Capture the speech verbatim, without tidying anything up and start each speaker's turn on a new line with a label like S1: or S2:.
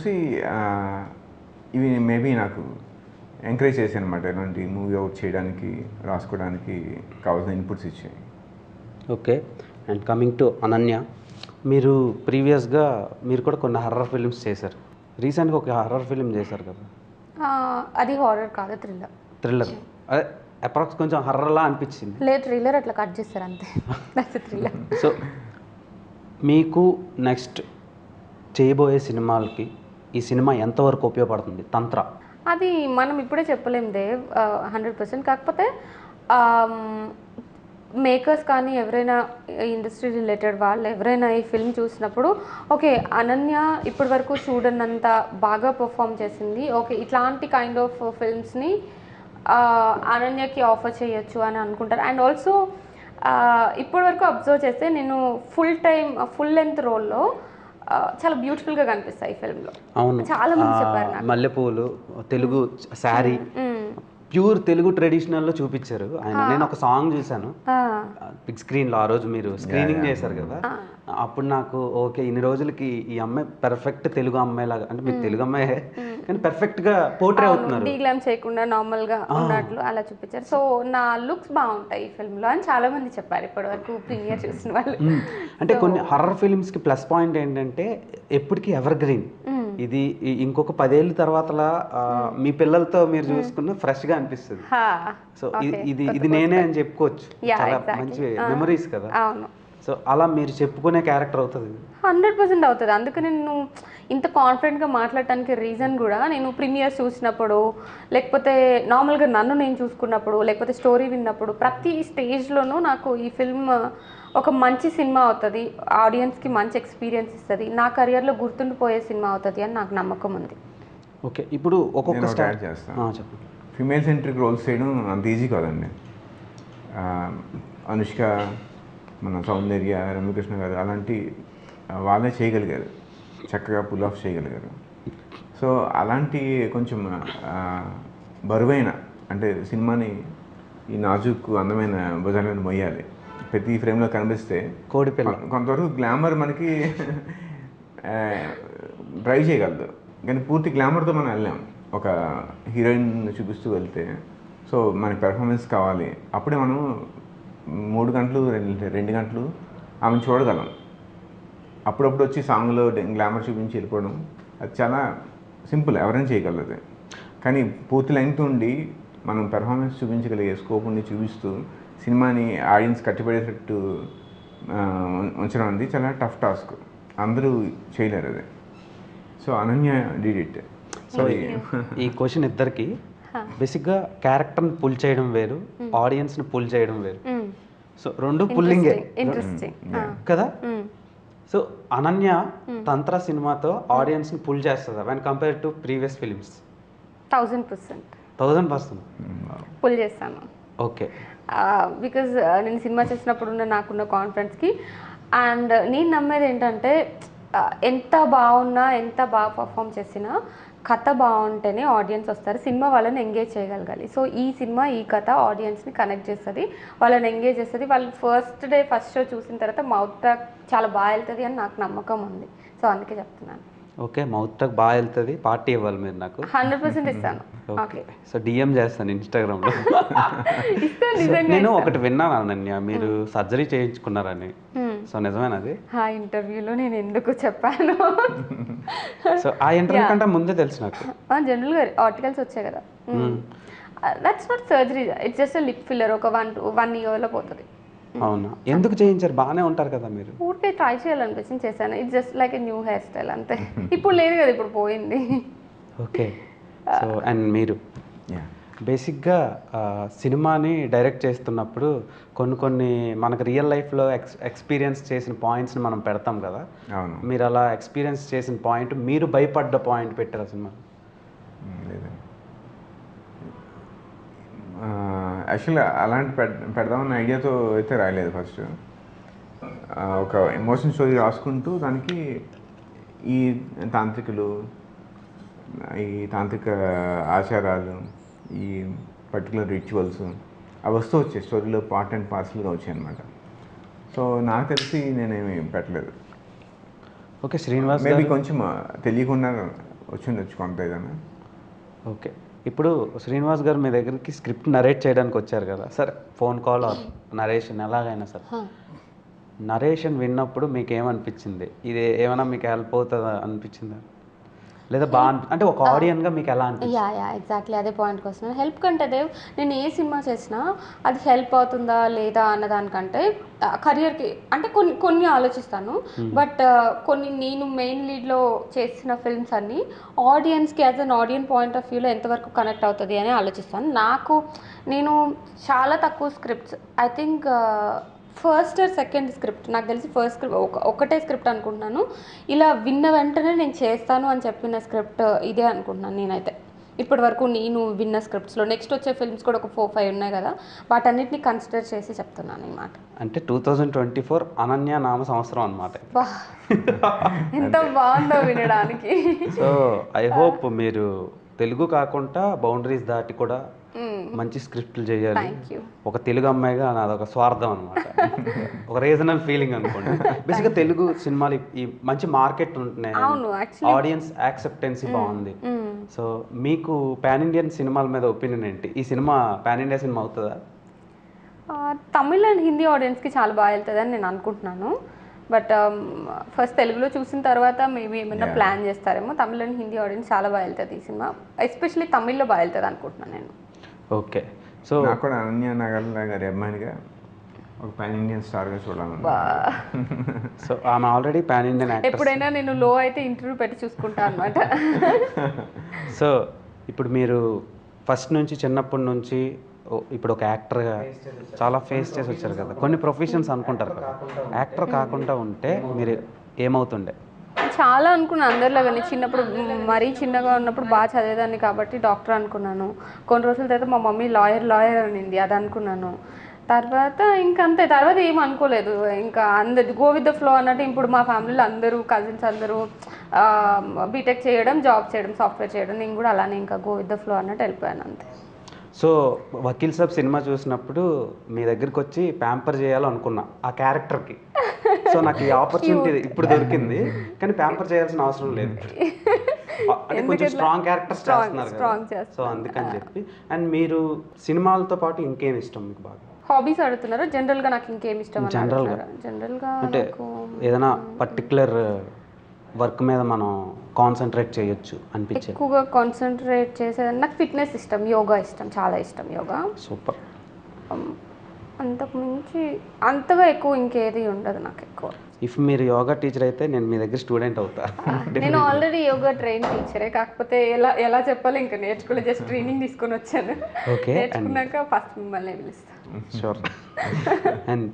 S1: చూసి ఇవి మేబీ నాకు ఎంకరేజ్ చేశాను అనమాట. ఇలాంటి మూవీ అవుట్ చేయడానికి, రాసుకోవడానికి కావాల్సిన ఇన్పుట్స్ ఇచ్చాయి.
S2: Okay. And coming to Ananya, మీరు ప్రీవియస్గా మీరు కూడా కొన్ని హర్రర్ ఫిల్మ్స్ చేశారు. రీసెంట్గా ఒక హర్రర్ ఫిల్మ్ చేశారు కదా?
S3: అది హారర్ కాదు, థ్రిల్లర్.
S2: థ్రిల్లర్ అదే అప్రాక్స్ కొంచెం హర్రర్లా అనిపించింది.
S3: లేదు, థ్రిల్లర్ అట్లా కట్ చేస్తారు అంతే. థ్రిల్లర్.
S2: సో మీకు నెక్స్ట్ చేయబోయే సినిమాలకి ఈ సినిమా ఎంతవరకు ఉపయోగపడుతుంది? తంత్ర
S3: అది మనం ఇప్పుడే చెప్పలేం దేవ్, హండ్రెడ్ పర్సెంట్. కాకపోతే మేకర్స్ కానీ ఎవరైనా ఇండస్ట్రీ రిలేటెడ్ వాళ్ళు ఎవరైనా ఈ ఫిల్మ్ చూసినప్పుడు ఓకే అనన్య ఇప్పటి వరకు చూడనంత బాగా పర్ఫామ్ చేసింది, ఓకే ఇట్లాంటి కైండ్ ఆఫ్ ఫిల్మ్స్ని అనన్యకి ఆఫర్ చేయొచ్చు అని అనుకుంటారు. అండ్ ఆల్సో ఇప్పటి వరకు అబ్జర్వ్ చేస్తే నేను ఫుల్ టైం ఫుల్ లెంత్ రోల్లో చాలా బ్యూటిఫుల్గా కనిపిస్తాయి ఈ ఫిల్మ్లో.
S2: అవును,
S3: చాలా మంది చెప్పారు.
S2: మల్లెపూలు, తెలుగు శారీ, ప్యూర్ తెలుగు ట్రెడిషనల్లో చూపించారు ఆయన. నేను ఒక సాంగ్ చూశాను బిగ్ స్క్రీన్లో, ఆ రోజు మీరు స్క్రీనింగ్ చేశారు కదా. అప్పుడు నాకు ఓకే ఇన్ని రోజులకి ఈ అమ్మాయి పర్ఫెక్ట్ తెలుగు అమ్మాయి లాగా, అంటే మీరు తెలుగు అమ్మాయి కానీ పర్ఫెక్ట్గా పోర్ట్రే అవుతున్నారు,
S3: డీగ్లామ్ చేయకుండా నార్మల్గా ఉన్నట్లు అలా చూపించారు. సో నా లుక్స్ బాగుంటాయి ఈ ఫిల్మ్లో అని చాలా మంది చెప్పారు ఇప్పటి వరకు ప్రీమియర్ చూసిన వాళ్ళు.
S2: అంటే కొన్ని హర్రర్ ఫిల్మ్స్కి ప్లస్ పాయింట్ ఏంటంటే ఎప్పటికీ ఎవర్ గ్రీన్. ఇది ఇంకొక పదేళ్ళ తర్వాతలా మీ పిల్లలతో మీరు చూసుకున్న ఫ్రెష్గా అనిపిస్తుంది. సో ఇది ఇది నేనే అని చెప్పుకోవచ్చు, చాలా మంచి మెమరీస్ కదా. సో అలా మీరు చెప్పుకునే క్యారెక్టర్ అవుతుంది,
S3: హండ్రెడ్ పర్సెంట్ అవుతుంది. అందుకని నేను ఇంత కాన్ఫిడెంట్గా మాట్లాడటానికి రీజన్ కూడా నేను ప్రీమియర్స్ చూసినప్పుడు, లేకపోతే నార్మల్గా నన్ను నేను చూసుకున్నప్పుడు, లేకపోతే స్టోరీ విన్నప్పుడు ప్రతి స్టేజ్లోనూ నాకు ఈ ఫిల్మ్ ఒక మంచి సినిమా అవుతుంది, ఆడియన్స్కి మంచి ఎక్స్పీరియన్స్ ఇస్తుంది, నా కెరియర్లో గుర్తుండిపోయే సినిమా అవుతుంది అని నాకు నమ్మకం ఉంది.
S2: ఓకే, ఇప్పుడు ఒక్కొక్క
S1: స్టార్ట్ చేస్తాను. చెప్పండి. ఫిమేల్ సెంట్రిక్ రోల్స్ చేయడం అంత ఈజీ కాదండి. అనుష్క, మన సౌందర్య, రమ్యకృష్ణ గారు అలాంటి వాళ్ళే చేయగలిగారు, చక్కగా పుల్ ఆఫ్ చేయగలిగారు. సో అలాంటి కొంచెం బరువైన, అంటే సినిమాని ఈ నాజుకు అందమైన భుజాలను మొయ్యాలి, ప్రతి ఫ్రేమ్లో కనిపిస్తే
S2: కోడిపిల్ల
S1: కొంతవరకు గ్లామర్ మనకి డ్రైవ్ చేయగలదు, కానీ పూర్తి గ్లామర్తో మనం వెళ్ళాం. ఒక హీరోయిన్ చూపిస్తూ వెళ్తే సో మనకి పెర్ఫార్మెన్స్ కావాలి, అప్పుడే మనం మూడు గంటలు రెండు రెండు గంటలు ఆమెను చూడగలం. అప్పుడప్పుడు వచ్చి సాంగ్లో గ్లామర్ చూపించి వెళ్ళిపోవడం అది చాలా సింపుల్, ఎవరైనా చేయగలదు. కానీ పూర్తి లెంగ్త్ ఉండి మనం పెర్ఫార్మెన్స్ చూపించగలిగే స్కోప్ ఉండి చూపిస్తూ సినిమాని ఆడియన్స్ కట్టిపడేటట్టు ఉంచడం అనేది చాలా టఫ్ టాస్క్, అందరూ చేయలేరు అది. So Ananya did it.
S2: So ఈ క్వశ్చన్ ఇద్దరికి బేసిక్గా క్యారెక్టర్ని పుల్ చేయడం వేరు, ఆడియన్స్ని పుల్ చేయడం వేరు. సో రెండు పుల్లింగే కదా. సో అనన్య తంత్ర సినిమాతో ఆడియన్స్ని పుల్ చేస్తుందా when compare to previous films?
S3: Thousand percent
S2: thousand percent
S3: pull చేస్తాను.
S2: ఓకే,
S3: బికాజ్ నేను సినిమా చేసినప్పుడు నాకున్న కాన్ఫిడెన్స్కి అండ్ నేను నమ్మేది ఏంటంటే ఎంత బాగున్నా ఎంత బాగా పర్ఫామ్ చేసినా కథ బాగుంటేనే ఆడియన్స్ వస్తారు, సినిమా వాళ్ళని ఎంగేజ్ చేయగలగాలి. సో ఈ సినిమా ఈ కథ ఆడియన్స్ని కనెక్ట్ చేస్తుంది, వాళ్ళని ఎంగేజ్ చేస్తుంది. వాళ్ళు ఫస్ట్ డే ఫస్ట్ షో చూసిన తర్వాత మౌత్ టాక్ చాలా బాగా వెళ్తుంది అని నాకు నమ్మకం ఉంది. సో అందుకే చెప్తున్నాను.
S2: ఓకే, మౌత్ టాక్ బాగా వెళ్తుంది, పార్టీ ఇవ్వాలి మీరు నాకు.
S3: హండ్రెడ్ పర్సెంట్ ఇస్తాను.
S2: ఓకే, సో డిఎం చేస్తాను ఇన్స్టాగ్రామ్లో. నేను ఒకటి విన్నాను అనన్య, మీరు సర్జరీ చేయించుకున్నారని, సో నిజమేనా అది?
S3: ఆ ఇంటర్వ్యూలో నేను ఎందుకు చెప్పాను?
S2: సో ఆ ఇంటర్వ్యూ కంటే ముందే తెలుసు నాకు.
S3: జనరల్గా ఆర్టికల్స్ వచ్చాయి కదా, that's not surgery, it's just lip filler, ఒక వన్ వన్ ఇయర్లో పోతుంది.
S2: అవునా, ఎందుకు చేయించారు? బాగానే ఉంటారు కదా మీరు.
S3: ఊరికే ట్రై చేయాలనిపించింది చేశాను, it's just like a new hair style అంతే. ఇప్పుడు లేదు కదా, ఇప్పుడు పోయింది.
S2: ఓకే, సో అండ్ మీరు బేసిక్గా సినిమాని డైరెక్ట్ చేస్తున్నప్పుడు కొన్ని కొన్ని మనకు రియల్ లైఫ్లో ఎక్స్ ఎక్స్పీరియన్స్ చేసిన పాయింట్స్ని మనం పెడతాం కదా. మీరు అలా ఎక్స్పీరియన్స్ చేసిన పాయింట్, మీరు భయపడ్డ పాయింట్ పెట్టారు సినిమా?
S1: యాక్చువల్గా అలాంటి పెడ పెడదామన్న ఐడియాతో అయితే రాయలేదు. ఫస్ట్ ఒక ఎమోషన్ స్టోరీ రాసుకుంటూ దానికి ఈ తాంత్రికులు, ఈ తాంత్రిక ఆచారాలు, ఈ పర్టికులర్ రిచువల్స్ అవి వస్తూ వచ్చాయి స్టోరీలో, పార్ట్ అండ్ పార్సల్గా వచ్చాయి అన్నమాట. సో నాకు తెలిసి నేనేమి పెట్టలేదు.
S2: ఓకే, శ్రీనివాస్
S1: మేబీ కొంచెం తెలియకుండా వచ్చిండొచ్చు కొంత ఏదైనా.
S2: ఓకే, ఇప్పుడు శ్రీనివాస్ గారు మీ దగ్గరికి స్క్రిప్ట్ నరేట్ చేయడానికి వచ్చారు కదా, సరే ఫోన్ కాల్ ఆర్ నరేషన్ ఎలాగైనా సరే, నరేషన్ విన్నప్పుడు మీకు ఏమనిపించింది? ఇది ఏమైనా మీకు హెల్ప్ అవుతుందా అనిపించిందా, లేదా బాగా అనిపి అంటే ఒక ఆడియన్గా మీకు ఎలా అనిపించింది?
S3: యా యా ఎగ్జాక్ట్లీ అదే పాయింట్కి వస్తున్నాను. హెల్ప్ కంటే దేవ్ నేను ఏ సినిమా చేసినా అది హెల్ప్ అవుతుందా లేదా అన్నదానికంటే కెరియర్కి అంటే కొన్ని కొన్ని ఆలోచిస్తాను. బట్ కొన్ని నేను మెయిన్ లీడ్లో చేసిన ఫిల్మ్స్ అన్నీ ఆడియన్స్కి as an audience point of వ్యూలో ఎంతవరకు కనెక్ట్ అవుతుంది అని ఆలోచిస్తాను. నాకు నేను చాలా తక్కువ scripts I think first or second script నాకు తెలిసి ఫస్ట్ స్క్రిప్ట్ ఒక ఒకటే స్క్రిప్ట్ అనుకుంటున్నాను. ఇలా విన్న వెంటనే నేను చేస్తాను అని చెప్పిన స్క్రిప్ట్ ఇదే అనుకుంటున్నాను నేనైతే ఇప్పటి వరకు నేను విన్న స్క్రిప్ట్స్లో. నెక్స్ట్ వచ్చే ఫిల్మ్స్ కూడా ఒక ఫోర్ ఫైవ్ ఉన్నాయి కదా, వాటన్నిటిని కన్సిడర్ చేసి చెప్తున్నాను ఈ మాట.
S2: అంటే two thousand twenty four Ananya నామ సంవత్సరం అనమాట.
S3: బా ఎంత బాగుందో వినడానికి.
S2: సో ఐ హోప్ మీరు తెలుగు కాకుండా బౌండరీస్ దాటి కూడా మంచి స్క్రిప్ట్లు చేయాలి. ఒక తెలుగు అమ్మాయిగా నాదొక స్వార్థం అనమాట, ఒక రీజనల్ ఫీలింగ్ అనుకోండి. బేసిక్గా తెలుగు సినిమాలు ఈ మంచి మార్కెట్ ఉంటున్నాయి, ఆడియన్స్ యాక్సెప్టెన్సీ బాగుంది. సో మీకు పాన్ ఇండియన్ సినిమాల మీద ఒపీనియన్ ఏంటి? ఈ సినిమా పాన్ ఇండియా సినిమా అవుతుందా?
S3: తమిళ్ అండ్ హిందీ ఆడియన్స్కి చాలా బాగా వెళ్తుంది అని నేను అనుకుంటున్నాను. బట్ ఫస్ట్ తెలుగులో చూసిన తర్వాత మేబీ ఏమైనా ప్లాన్ చేస్తారేమో. తమిళ్ అండ్ హిందీ ఆడియన్స్ చాలా బాగా వెళ్తుంది ఈ సినిమా, ఎస్పెషల్లీ తమిళ్లో బాగా వెళ్తుంది అనుకుంటున్నాను నేను.
S2: ఓకే, సో
S1: నాకు కూడా అనన్య నాగల్లా గారి అమ్మాయిగా ఒక పాన్ ఇండియన్ స్టార్గా చూడాలి.
S2: సో ఆమె ఆల్రెడీ పాన్ ఇండియన్ యాక్టర్.
S3: ఎప్పుడైనా నేను లో అయితే ఇంటర్వ్యూ పెట్టి చూసుకుంటా అనమాట.
S2: సో ఇప్పుడు మీరు ఫస్ట్ నుంచి చిన్నప్పటి నుంచి ఇప్పుడు ఒక యాక్టర్గా చాలా ఫేస్ చేసి వచ్చారు కదా, కొన్ని ప్రొఫెషన్స్ అనుకుంటారు కదా, యాక్టర్ కాకుండా ఉంటే మీరు ఏమవుతుండే?
S3: చాలా అనుకున్నాను అందరిలాగానే. చిన్నప్పుడు మరీ చిన్నగా ఉన్నప్పుడు బాగా చదివేదాన్ని కాబట్టి డాక్టర్ అనుకున్నాను. కొన్ని రోజుల తర్వాత మా మమ్మీ లాయర్ లాయర్ అనింది, అది అనుకున్నాను. తర్వాత ఇంకంతే, తర్వాత ఏం అనుకోలేదు. ఇంకా అందరు గో విత్ ద ఫ్లో అన్నట్టు. ఇప్పుడు మా ఫ్యామిలీలో అందరూ కజిన్స్ అందరూ బీటెక్ చేయడం, జాబ్ చేయడం, సాఫ్ట్వేర్ చేయడం, నేను కూడా అలానే ఇంకా గో విత్ ద ఫ్లో అన్నట్టు వెళ్ళిపోయాను అంతే.
S2: సో వకీల్ సాబ్ సినిమా చూసినప్పుడు మీ దగ్గరికి వచ్చి ప్యాంపర్ చేయాలనుకున్నా ఆ క్యారెక్టర్కి. సో నాకు ఈ ఆపర్చునిటీ ఇప్పుడు దొరికింది, కానీ ప్యాంపర్ చేయాల్సిన అవసరం లేదు. అంటే కొంచెం స్ట్రాంగ్ క్యారెక్టర్స్ చేస్తున్నారు కదా, సో అందుకని చెప్పి. అండ్ మీరు సినిమాలతో పాటు ఇంకేం ఇష్టం మీకు బాగా?
S3: హాబీస్ అడుగుతున్నారు. జనరల్గా నాకు ఇంకేం ఇష్టం?
S2: జనరల్గా
S3: జనరల్గా
S2: అంటే ఏదైనా పర్టికులర్ వర్క్ మీద మనం కాన్సన్ట్రేట్ చేయొచ్చు అనిపించే?
S3: ఎక్కువగా కాన్సన్ట్రేట్ చేసేది నాకు ఫిట్నెస్ ఇష్టం, యోగా ఇష్టం, చాలా ఇష్టం యోగా.
S2: సూపర్.
S3: అంతకు మించి అంతగా ఎక్కువ ఇంకేది ఉండదు నాకు ఎక్కువ.
S2: ఇఫ్ మీరు యోగా టీచర్ అయితే నేను మీ దగ్గర స్టూడెంట్ అవుతా.
S3: నేను ఆల్రెడీ యోగా ట్రైన్ టీచరే, కాకపోతే ఎలా ఎలా చెప్పాలి ఇంకా నేర్చుకోలేదు, జస్ట్ ట్రైనింగ్ తీసుకొని వచ్చాను.
S2: ఓకే,
S3: నేర్చుకున్నాక ఫస్ట్ మిమ్మల్ని పిలుస్తాను.
S2: షూర్. అండ్